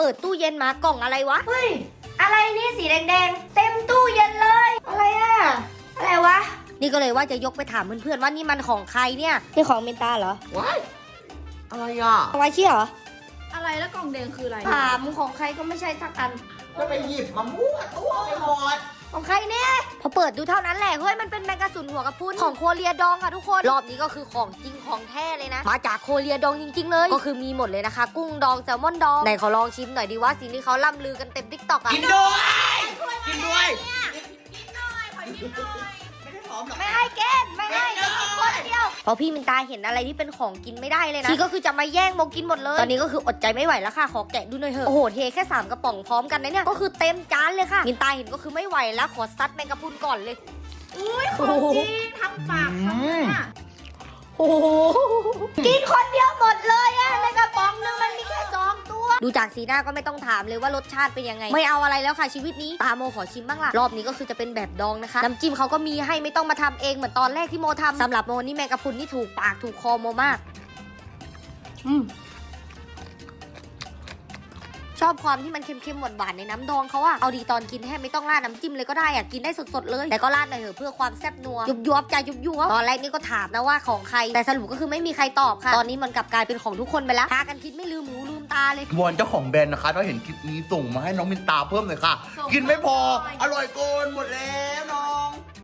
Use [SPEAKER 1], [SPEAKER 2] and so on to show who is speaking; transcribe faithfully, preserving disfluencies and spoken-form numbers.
[SPEAKER 1] ดตู้เย็นมากล่องอะไรวะ
[SPEAKER 2] เฮ้ยอะไรนี่สีแดงๆเต็มตู้เย็นเลยอะไรอะอะไรวะ
[SPEAKER 1] นี่ก็เลยว่าจะยกไปถามเพื่อนๆว่านี่มันของใครเนี่ยนี่ของเมนตาเหรอ
[SPEAKER 3] ว้ายอะไรอ่ะ
[SPEAKER 1] ของไอชี่เหรอ
[SPEAKER 4] อะไรแล้วกล่องแดงคืออะไร
[SPEAKER 2] ถามของใครก็ไม่ใช่สักอัน
[SPEAKER 3] ก็ไปหยิบมามั่วตัวไปหมด
[SPEAKER 1] ของใครเนี่ยพอเปิดดูเท่านั้นแหละเฮ้ยมันเป็นแมงกะสุนหัวกระพุ้นของโคเรียดองค่ะทุกคนรอบนี้ก็คือของจริงของแท้เลยนะมาจากโคเรียดองจริงๆเลยก็คือมีหมดเลยนะคะกุ้งดองแซลมอนดองไหนขอลองชิมหน่อยดีว่าสิ่งที่เขาล่ำลือกันเต็มทิกตอกอะ
[SPEAKER 3] กินด้วยกินด้วย
[SPEAKER 4] กินหน่อยขอกินหน่อย
[SPEAKER 3] ไม่ได้หอมหรอก
[SPEAKER 2] ไม่ให้เกณฑ์ไม่ให้จะกินคนเดียว
[SPEAKER 1] พอพี่มินตาเห็นอะไรที่เป็นของกินไม่ได้เลยนะที่ก็คือจะมาแย่งโมกินหมดเลยตอนนี้ก็คืออดใจไม่ไหวแล้วค่ะขอแกะดูหน่อยเถอะโอ้โหเทแค่สามกระป๋องพร้อมกันนะเนี่ยก็คือเต็มจานเลยค่ะมินตาเห็นก็คือไม่ไหวแล้วขอซัดแมงกะพรุนก่อนเลย
[SPEAKER 4] อุ้ยของจริงทำปากทำเนี่ย
[SPEAKER 1] โอ้โห
[SPEAKER 2] กินคนเดียวหมดเลยอะในกระป๋องนึงมันมีแค่สองตัว
[SPEAKER 1] ดูจากสีหน้าก็ไม่ต้องถามเลยว่ารสชาติเป็นยังไงไม่เอาอะไรแล้วค่ะชีวิตนี้ตาโมขอชิมบ้างล่ะรอบนี้ก็คือจะเป็นแบบดองนะคะน้ำจิ้มเขาก็มีให้ไม่ต้องมาทำเองเหมือนตอนแรกที่โมทำสำหรับโมนี่แมงกะพรุนนี่ถูกปากถูกคอโมมากอืมชอบความที่มันเค็มๆหวานๆในน้ำดองเขาอะเอาดีตอนกินแทบไม่ต้องราดน้ำจิ้มเลยก็ได้อะกินได้สดๆเลยแต่ก็ราดหน่อยเถอะเพื่อความแซ่บนัวยุบยุบใจยุบยุบตอนแรกนี่ก็ถามนะว่าของใครแต่สรุปก็คือไม่มีใครตอบค่ะตอนนี้มันกลับกลายเป็นของทุกคนไปแล้วพากันคิดไม่ลืมหูลืมตาเลยว
[SPEAKER 3] อนเจ้าของแบรนด์นะคะถ้าเห็นคลิปนี้ส่งมาให้น้องมินตาเพิ่มเลยค่ะ กินไม่พอ อร่อยเกินหมดแล้วน้อง